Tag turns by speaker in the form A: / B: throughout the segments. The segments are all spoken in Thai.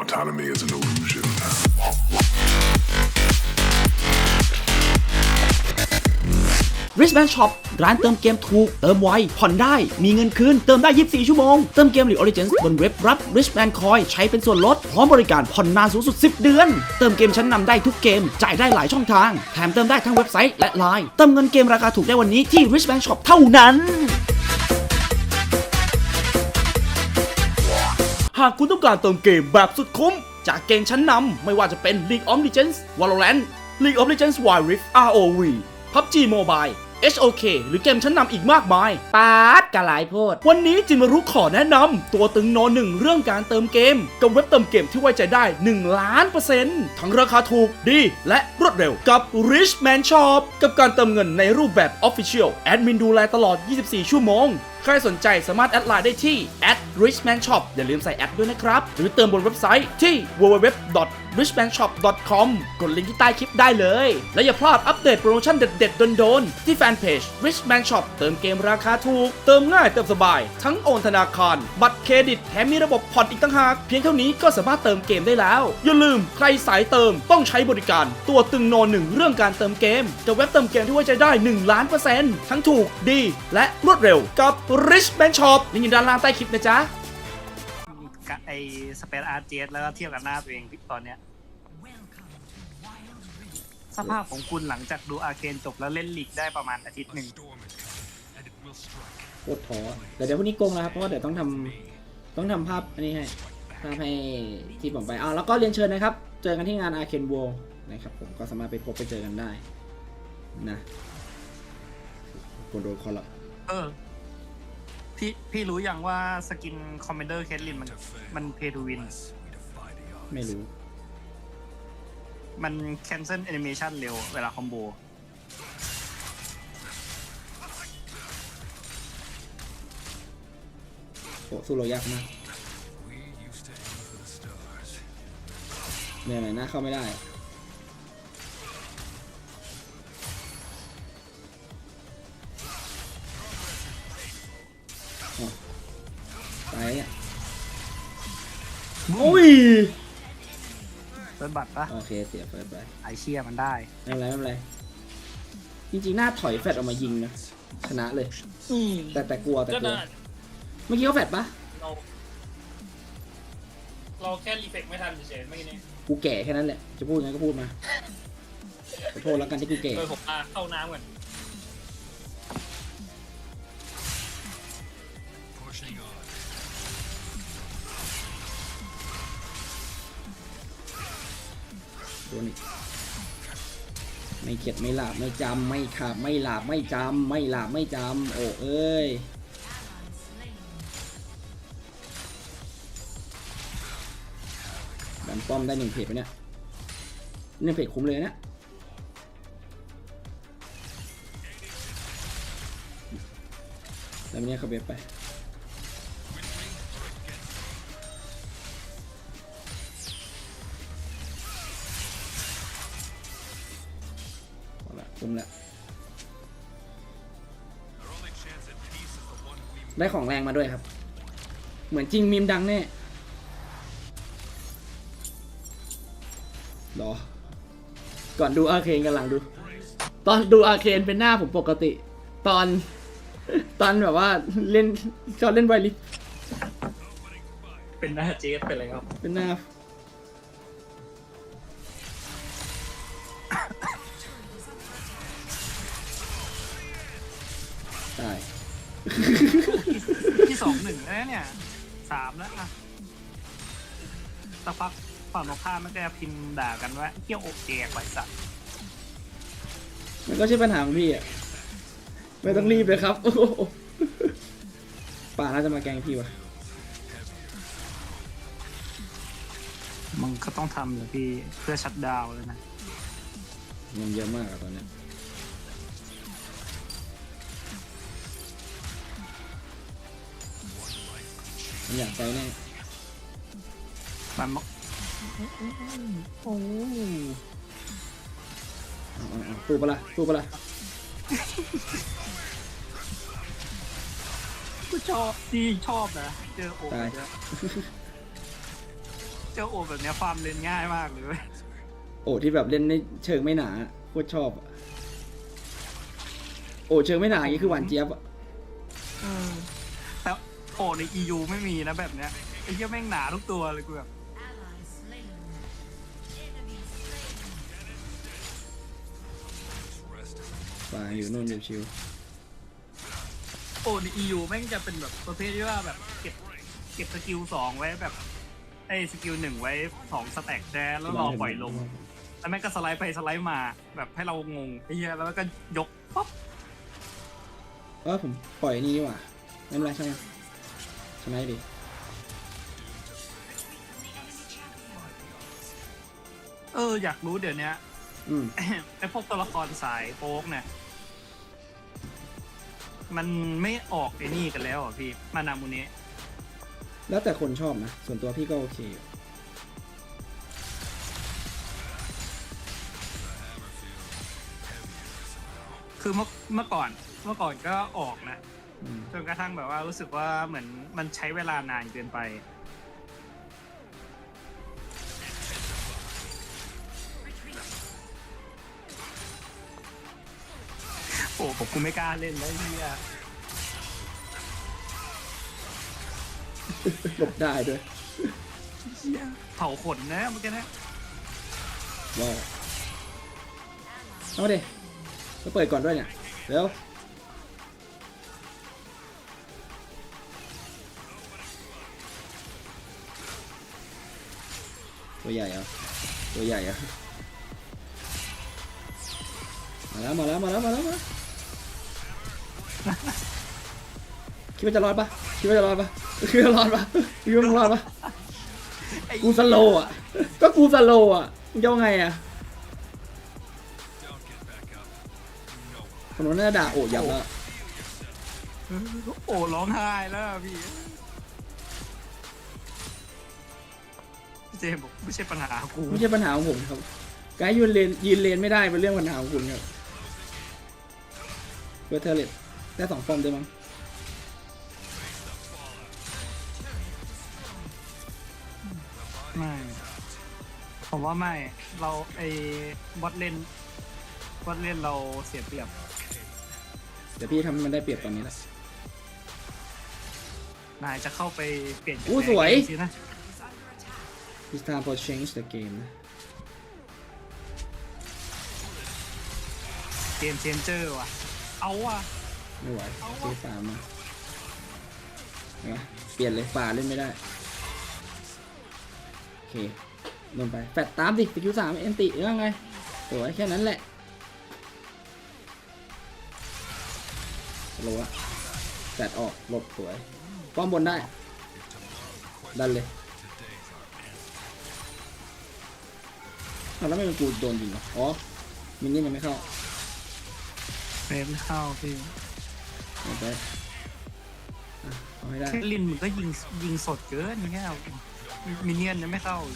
A: Autonomy is an illusion.
B: Wristband Shop ร้านเติมเกมถูกเติมไวผ่อนได้มีเงินคืนเติมได้24ชั่วโมงเติมเกม League of Legends บนเว็บรับ Wristband Coin ใช้เป็นส่วนลดพร้อมบริการผ่อนนานสูงสุด10เดือนเติมเกมชั้นนำได้ทุกเกมจ่ายได้หลายช่องทางแถมเติมได้ทั้งเว็บไซต์และ LINE เติมเงินเกมราคาถูกได้วันนี้ที่ Wristband Shop เท่านั้นหากคุณต้องการเติมเกมแบบสุดคุ้มจากเกมชั้นนำไม่ว่าจะเป็น League of Legends Valorant League of Legends Wild Rift ROV PUBG Mobile HOK หรือเกมชั้นนำอีกมากมายปาดกะหลายโพดวันนี้จิมารุขอแนะนำตัวตึงโนหนึ่งเรื่องการเติมเกมกับเว็บเติมเกมที่ไว้ใจได้1,000,000%ทั้งราคาถูกดีและรวดเร็วกับ Richman Shop กับการเติมเงินในรูปแบบ Official แอดมินดูแลตลอด24ชั่วโมงใครสนใจสามารถแอดไลน์ได้ที่ @richmanshop อย่าลืมใส่แอดด้วยนะครับหรือเติมบนเว็บไซต์ที่ www.richmanshop.com กดลิงก์ที่ใต้คลิปได้เลยและอย่าพลาดอัปเดตโปรโมชั่นเด็ดๆโดนๆที่แฟนเพจ Richman Shop เติมเกมราคาถูกเติมง่ายเติมสบายทั้งโอนธนาคารบัตรเครดิตแถมมีระบบผ่อนอีกต่างหากเพียงเท่านี้ก็สามารถเติมเกมได้แล้วอย่าลืมใครสายเติมต้องใช้บริการตัวตึงโนหนึ่งเรื่องการเติมเกมกับเว็บเติมเกมที่ไว้ใจได้1,000,000%ทั้งถูกดีและรวดเร็วกับ Richman Shop ลิงก์อยู่ด้านล่างใต้คลิปนะจ๊ะ
C: ไอสเปซอาร์เจสแล้วก็เทียบกับหน้าตัวเองตอนเนี้ยสภาพของคุณหลังจากดูอาร์เคนจบแล้วเล่นลีกได้ประมาณอาทิตย์หนึ่ง
B: โคตรท้อแต่เดี๋ยวพรุ่งนี้โกงแล้วครับเพราะว่าเดี๋ยวต้องทำภาพอันนี้ให้ภาพให้ที่ผมไปแล้วก็เรียนเชิญนะครับเจอกันที่งาน Arcane World นะครับผมก็สามารถไปพบไปเจอกันได้นะคนโดนคอร์รัป
C: พี่รู้ยังว่าสกินคอมเมนเดอร์เคทลินมันเพย์ทูวิน
B: ไม่รู้
C: มันแคนเซิลแอนิเมชันเร็วเวลาคอมโบ
B: โอ้สู้เรายากมากเนี่ยไหนหน้าเข้าไม่ได้ตายเนี่ยโอ้ย
C: เฟิร์สบัตรปะ
B: โอเคเสียเฟิร์สไป
C: ไอเชียมันได้
B: ไม่เป็นไรจริงๆหน้าถอยแฟดออกมายิงนะชนะเลยแต่กลัวเมื่อกี้เขาแฟดปะ
C: เราแค่รีเฟกไม่ทันเฉยๆเมื่อกี้นี้
B: กูแก่แค่นั้นแหละจะพูดไงก็พูดมาขอโทษแล้วกันที่กูแก่
C: ผมเข้าน้ำก่อน
B: ไม่เข็ดไม่หลาบไม่จำไม่ขาบไม่หลาบไม่จำไม่หลาบไม่จำโอ้เอ้ยดันป้อมได้1เพจไปเนี่ย1เพจคุ้มเลยนะแล้วเนี่ยเขาเบ็ดไปคุ้มแล้วได้ของแรงมาด้วยครับเหมือนจริงมีมดังแน่หรอก่อนดูอาร์เคนกันหลังดูตอนดูอาร์เคนเป็นหน้าผมปกติตอนแบบว่าเล่นชอบเล่นไวลิฟ
C: เป็นหน้าเจสเป็นอะไรครับ
B: เป็นหน้าได้
C: ที่2-1แล้วเนี่ย3แล้วอะสักพักฝั่งตรงข้ามมันก็จะพิมพ์ด่ากันว่าเกี่ยวอกแจกไว้สัตว์
B: มันก็ใช่ปัญหาของพี่อ่ะไม่ต้องรีบเลยครับป่าน่าจะมาแกงพี่วะ
C: มึงก็ต้องทำเลยพี่เพื่อชัดดาวเลยนะ
B: มันเยอะมากอะตอนนี้มันอยากไปแน่
C: มันโอ้
B: สู้ปะล่ะ
C: กูชอบดีชอบนะเจอโอ้ยเจ้าโอแบบเนี้ยฟาร์มเล่นง่ายมากเลยเว้ย
B: โอ้ที่แบบเล่นในเชิงไม่หนาโคตรชอบอะโอ้เชิงไม่หนาอย่างนี้คือหวานเจี๊ยบอะ
C: แต่โอใน EU ไม่มีนะแบบเนี้ยไอ้เหี้ยแม่งหนาทุกตัวเลยกูแบบ
B: ป่าอยู่นู่นอยู่ชิว
C: โอใน EU แม่งจะเป็นแบบประเภทที่ว่าแบบเก็บสกิล2ไว้แบบไอ้สกิล1ไว้2สแต็กแชร์แล้วรอปล่อยลงแล้วแม่งก็สไลด์ไปสไลด์มาแบบให้เรางงไอ้เหี้ยแล้วก็ยกป๊อป
B: ผมปล่อยนี่ดีกว่าไม่เป็นไรใช่ไหมชนะดิ
C: อยากรู้เดี๋ยวนี้ ไอ้พวกตัวละครสายโป๊กเนี่ยมันไม่ออกไอ้นี่กันแล้วอ่ะพี่มานามูเนะ
B: แล้วแต่คนชอบนะส่วนตัวพี่ก็โอเคอยู่
C: คือเมื่อก่อนก็ออกนะ
B: อืม
C: จนกระทั่งแบบว่ารู้สึกว่าเหมือนมันใช้เวลานานเกินไปโอ้ผมกูไม่กล้าเล่นแล้วเฮีย
B: หลบได้ด้วย
C: เผาขนนะเมื่อกี้นะ
B: ว้าวเอามาดิก็เปิดก่อนด้วยเนี่ยเร็วตัวใหญ่เหรอตัวใหญ่เหรอมาแล้วคิดว่าจะรอดปะคิดว่าจะรอดปะกูสโลว์อ่ะก็กูสโลว์อ่ะมึงจะว่าไงอ่ะคนนั้นน่าด่าโอ้ยับแล้ว
C: โอ้ร้องไห้แล้วอะพี่เจมส์บอกไม่ใช่ปัญหากู
B: ไม่ใช่ปัญหาของผมครับการยืนเลนไม่ได้เป็นเรื่องปัญหาของคุณครับเวอร์เทอร์เลตได้2 ฟอร์มได้มั้ง
C: ไม่ผมว่าไม่เราไอ้บอทเล่นเราเสียเปรียบ
B: เดี๋ยวพี่ทำให้มันได้เปรียบตอนนี้แหละ
C: นายจะเข้าไปเปลี่ยน
B: อู้สวย
C: เกมสินะ
B: It's time for change the game นะ
C: เกมเชนเจอร์ว่ะเอาว่ะ
B: ไม่ไหวเจสามมาเห็นไหมเปลี่ยนเลยฝ่าเล่นไม่ได้โอเคลงไปแฟดตามดิสกิล3เอ็นติยังไงสวยแค่นั้นแหละโลละแฟดออกหลบสวยป้อมบนได้ดันเลยแล้วไม่เป็นกูโดนยิงเหรออ๋อมินนี่มันไม่เข้า
C: เฟรมเข้าพี่
B: เอาไปเอาให้ได้
C: ลินมึงก็ยิงสดเกินเงี้ยมินเนี่ยนยังไม่เข้า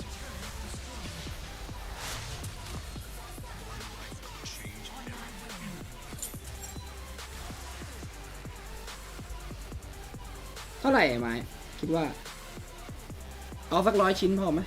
B: เท่าไหร่ไอ้ไม้คิดว่าเอาสัก100 ชิ้นพอไหม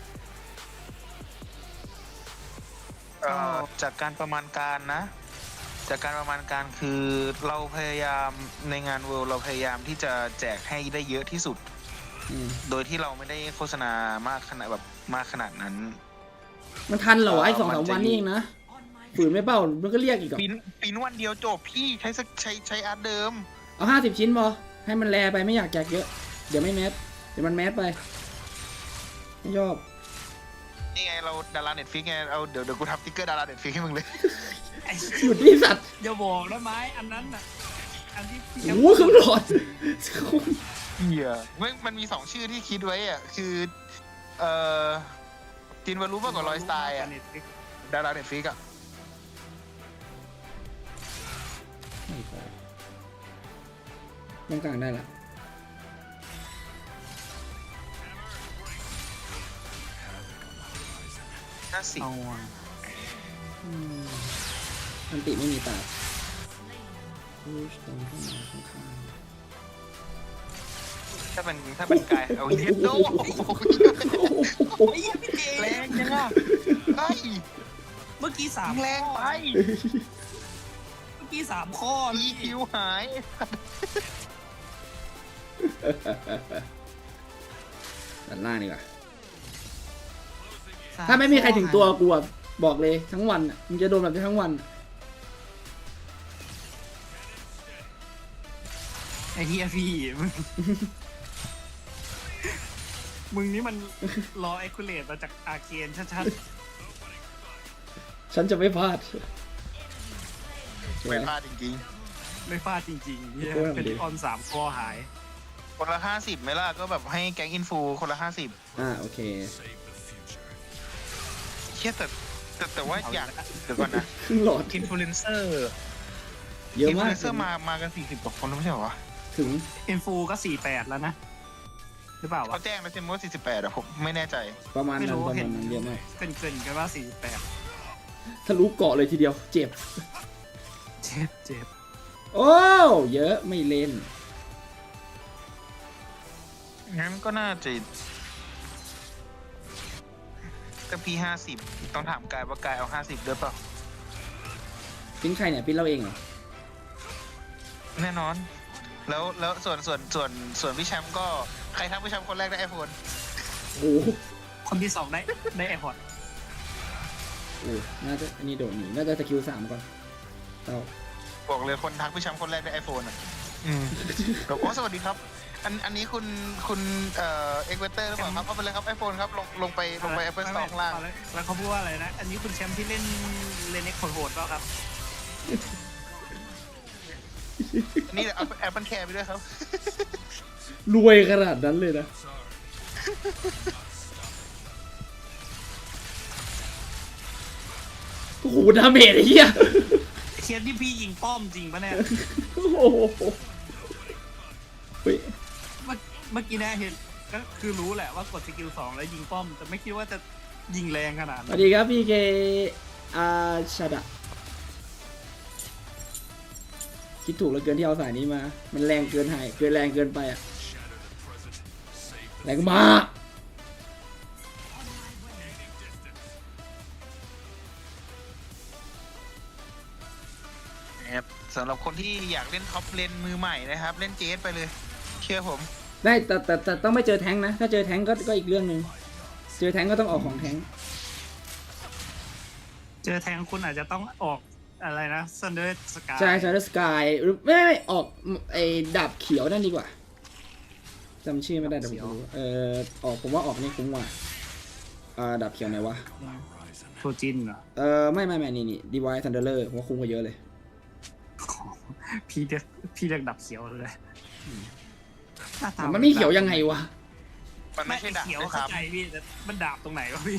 A: จากการประมาณการนะ จากการประมาณการคือเราพยายามในงานเวิลด์เราพยายามที่จะแจกให้ได้เยอะที่สุด โดยที่เราไม่ได้โฆษณามากขนาดนั้น
B: มันทันเหรอวะไอ้2-3 วันนี่เองนะฝืนไม่เป้ามันก็เรียกอีกเหรอ
A: ปีนวันเดียวจบพี่ใช้อาร์ตเดิม
B: เอา50 ชิ้นพอให้มันแลไปไม่อยากแจกเยอะเดี๋ยวไม่แมสเดี๋ยวมันแมสไปไม่ชอบ
A: นี่ไงเราดาราเน็ตฟิกไงเอาเดี๋ยวกูทำสติ๊กเกอร์ดาราเน็ตฟิกให้มึงเลย
B: หยุดที่สัตว์
C: อย่าบอกนะไม้อันนั้นน่ะอันที่พี่
B: โอ้โหเครื่องหลอด
A: เหี้ยมันมี2ชื่อที่คิดไว้อ่ะคือจินวารุมากกว่าลอยสไตล์อ่ะดาราเน็ตฟิกอ่ะ
B: ไม่พอตรงกลางได้ละ
A: 50
C: เอาอ่ะ
B: อันติไม่มีตาพุชตรงเข้ามาข้าง
A: ถ้าเป็นกายเอาเย็ดโดแรงยังอ่ะไอ้
C: เมื่อกี้3
A: แรงไป
C: เมื่อกี้3 ข้อ
A: อีคิวหาย
B: ด้านล่างดีกว่าถ้าไม่มีใครถึงตัวกูอะบอกเลยทั้งวันอะมึงจะโดนแบบนี้ทั้งวันอะ
C: ไอ้เฮียพี่ มึงนี่มันรอไอคูเลตมาจากอาเคนชัด
B: ฉันจะไม่พลาด
A: ไม่พลาดจริง
C: ๆไม่ฟาดจริงๆเฮีย
B: โอ้ย
C: เป็นออน3 ข้อหาย
A: ๆคนละ50ไหมล่ะก็แบบให้แก๊งอินฟูคนละ50
B: โอเค
A: เชี่ยแต่ว่าอยากเดี๋ยวก่อนนะ
B: ครึ่งหลอด
A: อินฟลูเอนเซอร์
B: เยอะ
A: อินฟลู
B: มาก
A: เอนเซอร์มากัน40 กว่าคนแล้วไม่ใช่เหรอวะ
B: ถึง
C: อินฟูก็48แล้วนะหรือเปล่าวะ
A: เขาแจ้งแล้วใช่ไหมว่า48อะผมไม่แน่ใจ
B: ประมาณ
C: ไม่
B: นั้น
C: รู้
B: ประ
C: เห็
B: มาน ณนั้นเยอะมาก
C: เกินกันว่า
B: ทะลุเกาะเลยทีเดียวเจ็บ
C: 48เจ็บ
B: โอ้เยอะไม่เล่น
A: งั้นก็น่าจะก็พี่50ต้องถามกายว่ากายเอา50ด้วยเปล่า
B: ปิ้นใครเนี่ยปิ้นเราเองเหรอ
A: แน่นอน แล้วส่วนพี่แชมป์ก็ใครทักพี่แชมป์คนแรกได้ไอโฟน
B: โอ้โห
C: คนที่ 2 ได้แอร์พอร์ต
B: น่าจะอันนี้โดดหนีน่าจะสกิล3ก่อนเอา
A: บอกเลยคนทักพี่แชมป์คนแรกได้ไอโฟนอ่ะก็โอ้สวัสดีครับ อันนี้คุณเอ็กเวเตอร์หรือเปล่าครับเอาไปเลยครับไอโฟนครับลงไปแอปเปิลสตอร์ข้างล่าง
C: แล้วเขาพูดว่าอะไรนะ อันนี้คุณแชมป์ที่เล่นเลนเน็กโหดๆเปล่าครับ
A: นี่เอาแอปเปิลแคร์ไปด้วยครับ
B: รวยขนาดนั้นเลยนะโอ้โหดาเมจไอ้เหี้ย
C: เคียนที่พี่ยิงป้อมจริงปะเนี่ย
B: โอ้โหเฮ้ย
C: เมื่อกี้นะเห็นก็คือรู้แหละว่ากดสกิล2แล้วยิงป้อมแต่ไม่คิดว่าจะยิงแรงขนาด
B: ส
C: นั้
B: วัน สดีครับพี่เคชาดะคิดถูกแล้วเกินที่เอาสายนี้มา มันแรงเกินหายแรงเกินไปอะแรงมาก
A: สำหรับคนที่อยากเล่นท็อปเลนมือใหม่นะครับเล่นเจสไปเลยเชื่อผม
B: ได้แต่ต้องไม่เจอแท้งนะ ถ้าเจอแท้งก็อีกเรื่องหนึ่งเจอแท้งก็ต้องออกของแท้ง
C: เจอแทงคุณอาจจะต้องออกอะไรนะซันเดอร์สกาย
B: ใช่ใช่แล้วสกายหรือไม่ออกไอ้ดาบเขียวนั่นดีกว่าจำชื่อไม่ได้เดี๋ยวผมรู้ออกผมว่าออกนี่คุ้มกว่าดาบเขียวไหนวะ
C: โทจินเหรอ
B: ไม่นี่ดีไวท์ทันเดอร์เลอร์ผมว่าคุ้มกว่าเยอะเลย
C: พี่เรียกดับเขียวเลยหาตา
B: มันไม่เขียวยังไงวะ
A: มัน
C: ไม่
A: ไม่ใช่ดาบ
C: เขียว
A: ด้วยค
C: เข้า
A: รับ
C: ใจพี่แต่มันดาบตรงไหนวะพี่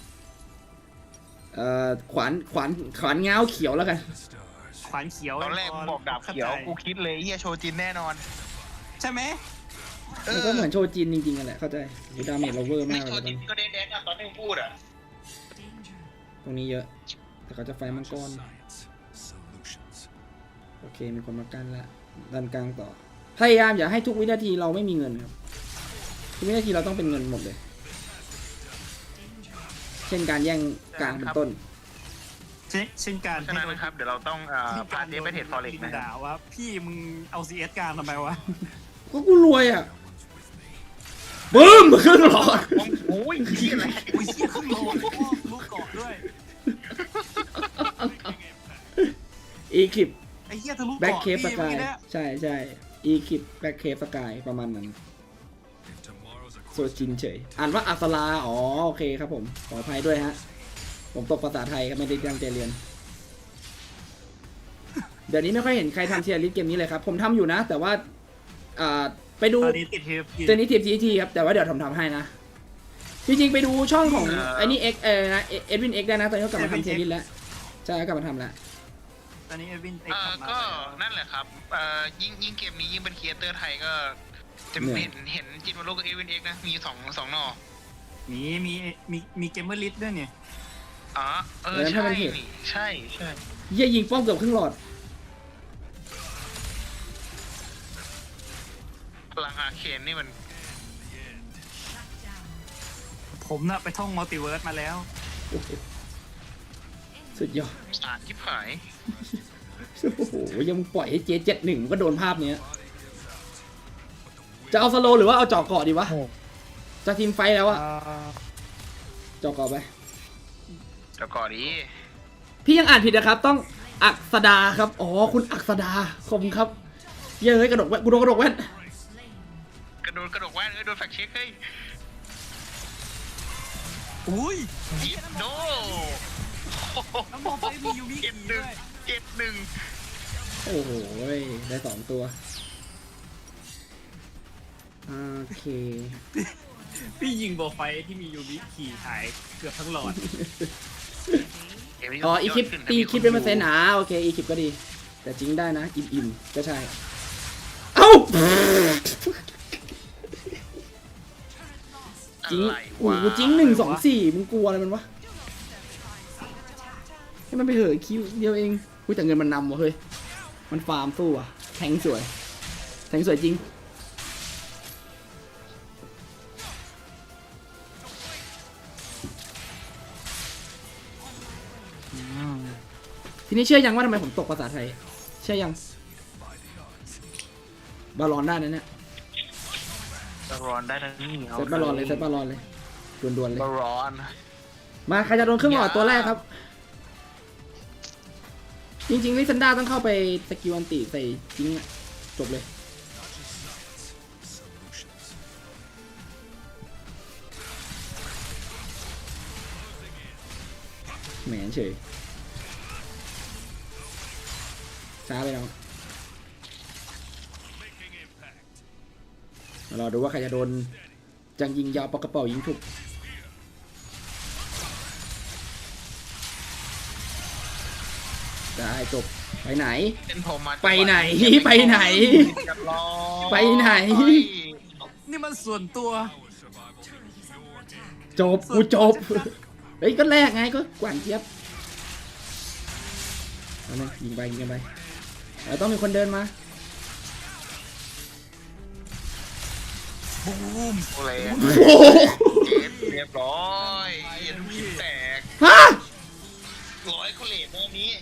B: ขวานเงาเขียวแล้วกัน
C: ขวานเขียว
A: ตอนแรกบอกดาบเขียวกูคิดเลยเฮียโชจินแน่นอน
C: ใช่ไหม
B: มันก็เหมือนโชจินจริงๆกันแหละเข้าใจดาเมจเราเวอร์
A: ไม่
B: มาก
A: โช
B: เลย
A: จินก็เด็กๆอะตอนที่มึงพูดอะ
B: ตรงนี้เยอะ แต่เขาจะไฟมังกรโอเคมีคนมากั้นแล้วดันกลางต่อพยายามอย่าให้ทุกวินาทีเราไม่มีเงินครับทุกวินาทีเราต้องเป็นเงินหมดเลย เช่นการแย่งกลางเป็นต้น
C: เช่นการ
A: ฉะนั้นนะครับเดี๋ยวเราต้องพาเจสไปเทรดฟอเร็กซ์นะ
C: ด่าว่าพี่มึงเอา CS การทำไมวะ
B: ก็กูรวยอ่ะบึ้มครึ่งหลอด
A: โอ้ยที่อะไร
C: อุ้ยเหี้ยขึ้นโลลูกเกาะด้วย
B: อีคลิป
C: ไอ้เหี้ยทะลุ
B: แบ็ค
C: เกาะ
B: เคฟส
C: พี่
B: กา
C: เมื่อย กี้เนี่ย
B: ใช่อีคลิปแบ็คเคฟสกายประมาณนั้นโซจินเฉยอ่านว่าอัสลาอ๋อโอเคครับผมขออภัยด้วยฮะผมตกภาษาไทยครับไม่ได้ตั้งใจเรียน เดี๋ยวนี้ไม่ค่อยเห็นใครทำเทียร์ลิสต์เกมนี้เลยครับผมทำอยู่นะ แต่ว่าไปดู
C: ตอนนี้ติดเทปอยู่
B: ตัวนี้ทีมทีครับแต่ว่าเดี๋ยวทำให้นะจริงๆไปดูช่องของไอ้นี่เอ็กนะเอ็ดวินเอ็กได้นะตอนนี้เขากลับมาทำเทียร์ลิสต์แล้วใช่กลับมาทำแล้ว
C: ตอนนี้เอวินเอ็กซ์กลับมา
A: ก็นั่นแหละครับยิ่งเกมนี้ยิ่งเป็นครีเอเตอร์ไทยก็จะเห็นจินวารุกับเอวินเอ็กนะมีสองหน่อ
C: มีเกมเมอร์ลิสต์ด้วยเนี่ย
A: อ๋อใช่ใช่
B: เยี่ยยิงป้อมเกือบครึ่งหลอด
A: พลังอาเคนนี่มัน
C: ผมน่ะไปท่องมัลติเวิร์สมาแล้ว
B: โอ้โหสุดยอด
A: สารที่หาย
B: โอ้โหยังปล่อยให้เจ71มันก็โดนภาพเนี้ยจะเอาสโลว์หรือว่าเอาเจาะเกาะดีวะจะทีมไฟท์แล้วอะเจาะเกาะไป
A: เดี๋ยวก่อนดิ
B: พี่ยังอ่านผิดนะครับ ต้องอักษดาครับ อ๋อ คุณอักษดาขอบคุณครับ เย้ยกระดกแว่นกูโดนกระดกแว่น
A: กระโดดแว่นโดนแฟกเช็คเฮ้ย
C: อุ้ย
A: ยิบโด
C: น้ำมองไปมียูมิ
A: เจ็ดห
C: ด้
A: นึ่ง
C: วย
A: เจ็ดหนึ่ง
B: โอ้โหได้2 ตัว โอเค
C: พี่ยิงโบไฟที่มียูมิขี่หายเกือบทั้งหลอด
B: อ๋อ อีคลิปตีคลิปเป็นเปอร์เซ็นต์โอเค อีคลิปก็ดี แต่จริงได้นะ อิ่มๆ ก็ใช่ เอ้า จริง
A: อะไร
B: โอ้
A: วะ
B: โหจริง1 2 4มึงกลัวอะไรมันวะ ให้มันไปเหอะคิวเดียวเองกูแต่เงินมันนำวะเฮ้ย มันฟาร์มสู้อะแทงสวย แทงสวยจริง ทีนี้เชื่อยังว่าทำไมผมตกภาษาไทย เชื่อยัง บาลอนได้นะเนี่ย
A: บารอนได้ทั้งนี้
B: เซตบาลอนเลยเซตบาลอนเลยด่วนๆเลย
A: บารอน
B: มาใครจะโดนเครื่องหลอดตัวแรกครับ จริงๆลิซันดาต้องเข้าไปสกิลอันติใส่จริงอะจบเลยแหมเฉยช้าไปแล้วรอดูว่าใครจะโดนจังยิงยาวปากกระเป๋ายิงถูกได้จบไปไหน
A: เป็นผมมา
B: ไปไหนไปไหน
A: เรียบร้อย
B: ไปไหน
C: นี่มันส่วนตัว
B: จบกูจบเฮ้ยก็แรกไงก็กวานเจี๊ยบเอาเลยยิงไปยิงกันไปแล้วต้องมีคนเดินมา
C: บูม
A: โอ้เลย
B: โอ้โห
A: เจ็ดเรียบร้อยเย็นพิมแตก
B: ฮะ
A: 100เขาเลทเมื่อนี้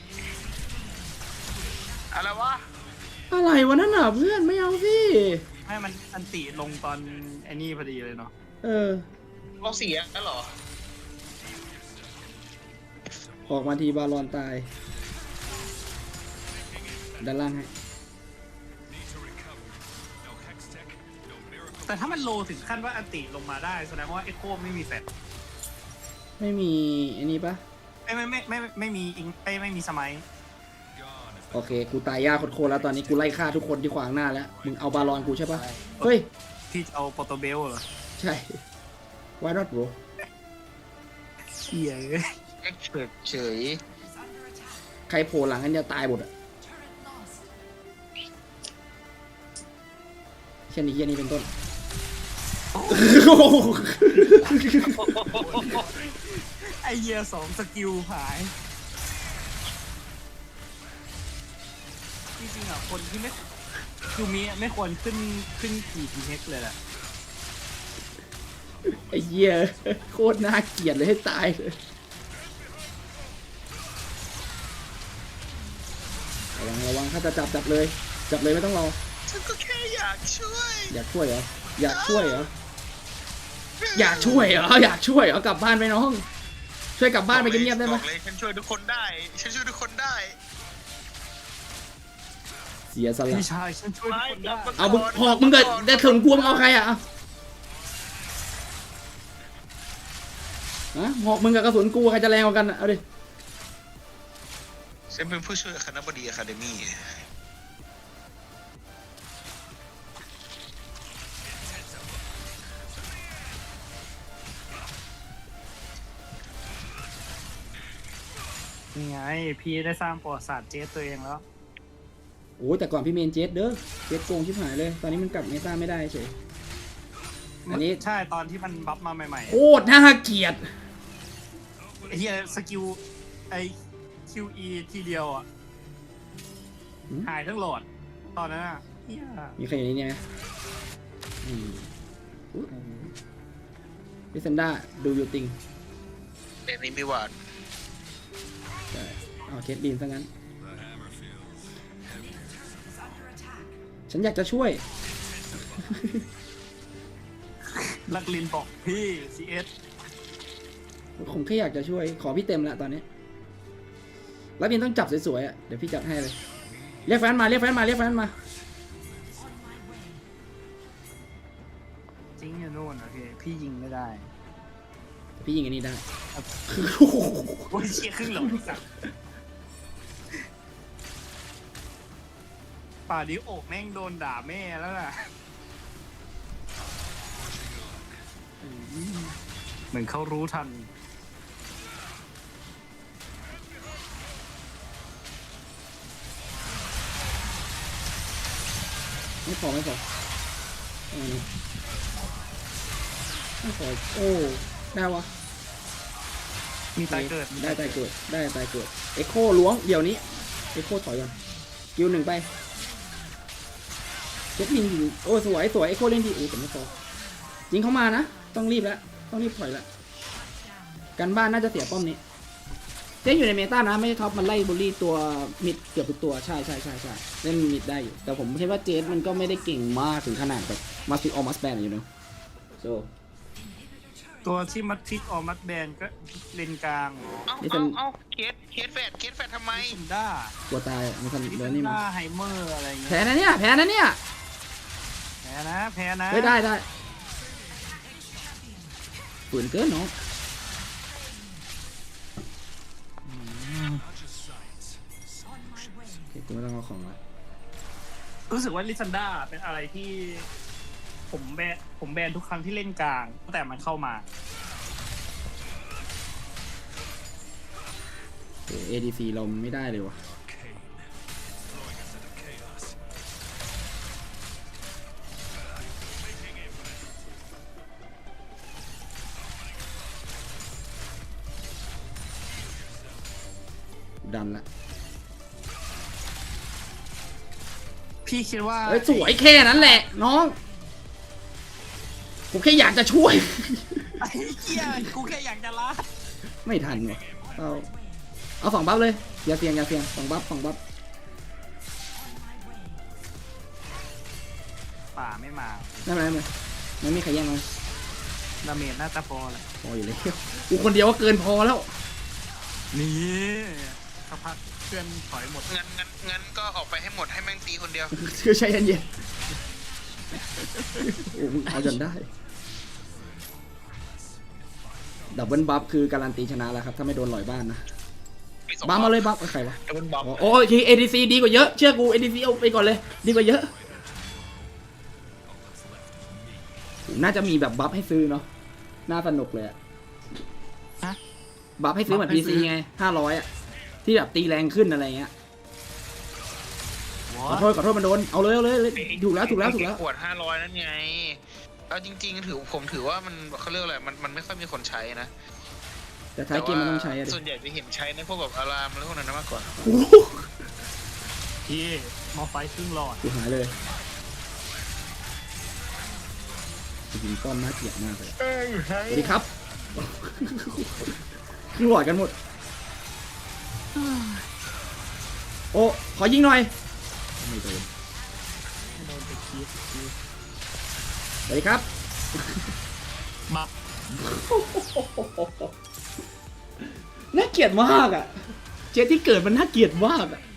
A: อะไรวะ
B: อะไรวะนั่นน่ะเพื่อนไม่เอาสิ
C: ให้มันอันติลงตอนไอ้นี่พอดีเลยเนาะ
B: เออ
A: เราเสียแล้วเหรอ
B: ออกมาทีบาลอนตายด้านล่างให้
C: แต่ถ้ามันโลถึงขั้นว่าอันติลงมาได้แสดงว่าเอ็โคไม่มีแฟต
B: ไม่มีไอ้นี่ปะ
C: ไม่มีอิงไม่มีสมัย
B: โอเคกูตายยากโคตรๆแล้วตอนนี้กูไล่ฆ่าทุกคนที่ขวางหน้าแล้วมึงเอาบาลอนกูใช่ปะเฮ้ย
C: ที่จะเอาโปรโตเบลเหรอ
B: ใช่ why not bro
C: เชี่ย
A: เอ็กเฉย
B: ใครโผล่หลังกันจะตายหมดอะเช่นนี้เช่นนี้เป็นต้น
C: ไอเยีย2 สกิลหาย จริงๆอ่ะคนที่ไม่คือมีไม่ควรขึ้นขี่ทีเน็กเลยแหละ
B: ไอ้เหี้ยโคตรน่าเกลียดเลยให้ตายเลยระวังถ้าจะจับเลยไม่ต้องรอ
A: ฉันก็แค่อยากช่วย
B: อยากช่วยเหรออยากช่วยเหรอกลับบ้านไปน้องช่วยกลับบ้านไปเงียบๆได้ไหม
A: บอกเลยฉันช่วยทุกคนได้ฉันช่วยทุกคนได้
B: เสียสละ
C: พี่ชายฉันช่วยทุกคนได้
B: เอามึงหอกมึงเกิดได้ถึงกลัวมึงเอาใครอะฮะหอกมึงกับกระสุนกูใครจะแรงกว่ากันอะเอาดิ
A: ฉันเป็นผู้ช่วยคณบดีอะคาเดมี่
C: นี่ไงพี่ได้สร้างประวัติศาสตร์เจสตัวเองแล้ว
B: โอ้แต่ก่อนพี่เมนเจสเด้อเจสโกงชิบหายเลยตอนนี้มันกลับเมตาไม่ได้เฉยอันนี้
C: ใช่ตอนที่มันบัฟมาใหม่
B: โคตรน่าเกลียด
C: ๆไอ้เหี้ยสกิลไอ QE ทีเดียวอ่ะหายทั้งหลอดตอนนั้นอ่ะเหี้ย
B: มีใครอยู่ในนี้ไหมอืมลิซันด้าดูยูติง
A: เด็กนี้มีหวาน
B: ใช่เอาเคสลีนซะงั้น ฉันอยากจะช่วย
C: ลักลินบอกพี่ซีเอส
B: ผมแค่อยากจะช่วย ขอพี่เต็มละตอนนี้ แล้วพี่ต้องจับสวยๆอ่ะ เดี๋ยวพี่จัดให้เลย เรียกแฟนมา เรียกแฟนมา เรียกแฟนมา
C: จริงอยู่โน่นโอเคพี่ยิงไม่ได้
B: พี่ยิงอันนี้ได้
C: โอ้ยเชี่ยครึ่งหลอดสัตว์ป่านี้โอกแม่งโดนด่าแม่แล้วน่ะเหมือนเขารู้ทัน
B: ไม่พอไม่พอไม่พอโอ้ได้วะ
C: มีตายเกิด
B: ได้ตายเกิดได้ตายเกิดเอ็กโคล้วงเดี๋ยวนี้เอ็กโคถอยก่อนกิวหนึ่งไปเจ็ดยิงโอ้สวยสวยเอ็กโคเล่นดีโอ้แต่ไม่พอยิงเข้ามานะต้องรีบแล้วต้องรีบถอยแล้วกันบ้านน่าจะเสียป้อมนี้เจ๊อยู่ในเมตานะไม่ใช่ท็อปมันไล่บูลลี่ตัวมิดเกือบทุกตัวใช่เล่นมิดได้อยู่แต่ผมคิดว่าเจสมันก็ไม่ได้เก่งมากถึงขนาดแบบมาฟิกออมัสแบนอยู่เนาะโซ
C: ตัวที่มัดทิกออมัดแบนก็เลนกลาง
A: เอาเคสแฟดทำไม
C: ซุนด้าก
B: ลัวตายมันทำเดินนี่
C: ซุ
B: มา
C: ด้าไฮเมอร์อะไรเงี้ย
B: แพ้นะเนี่ย
C: แพ้นะ
B: เฮ้ยได้ฝืนเกินเนาะโอเคกูไม่ต้องเอาของละ
C: รู้สึกว่าลิซันด้าเป็นอะไรที่ผมแบนทุกครั้งที่เล่นกลางตั้งแต่มันเข้ามา
B: โอ้ ADC เราไม่ได้เลยวะดันละ
C: พี่คิดว่า
B: เอ้ยสวยแค่นั้นแหละน้องผมแค่อยากจะช่วย
C: ไอ้เหี้ยกูแค่อยากจะละ
B: ไม่ทันวะเอาสองบัฟเลยอย่าเสี่ยงสองบัฟ
C: ป่าไม่มา
B: ไม่เป็นไรไม่มีใครแย่งมัน
C: ดาเมจน่าจะพอแหละ
B: พออยู่เลยกูคนเดียวก็เกินพอแล้ว
C: นี่สักพักเพื่อนถอยหมด
A: งั้นก็ออกไปให้หมดให้แม่งตีคนเดียว
B: คือใช้เย็นๆโอ้มึงเอาจนได้ดับเบิลบัฟคือการันตีชนะแล้วครับถ้าไม่โดนลอยบ้านนะบัฟมาเลยบัฟใครวะ
A: ดับเบิลบัฟ
B: โอ้ยที ADC ดีกว่าเยอะเชื่อกู ADC เอาไปก่อนเลยดีกว่าเยอะน่าจะมีแบบบัฟให้ซื้อเนาะน่าสนุกเลยอะ
C: ฮะ
B: บัฟให้ซื้อเหมือน PC ไง500อะที่แบบตีแรงขึ้นอะไรเงี้ยขอโทษมันโดนเอาเลยถูกแล้ว
A: ขวด500นั่นไงเอาจริงๆผมถือว่ามันเขาเรียกอะไรมันไม่ค่อยมีคนใช้นะ
B: แต่ท้ายเกมมันต้องใช้อะดิ
A: ส่วนใหญ่จะเห็นใช้ในพวกแบบอารามแล้วพวกนั้นมากกว่า
C: พี่มอไฟครึ่งหลอด
B: กูหายเลยจริงๆก้อนน่าเกลียดมากเลยสวัสดีครับคือหลอดกันหมดโอ้ขอยิงหน่อยไม่โดน
C: โดนไปคีบ
B: สวัสดีครับ
C: มา
B: น่าเกลียดมากอ่ะเจที่เกิดมันน่าเกลียดมากอ่ะ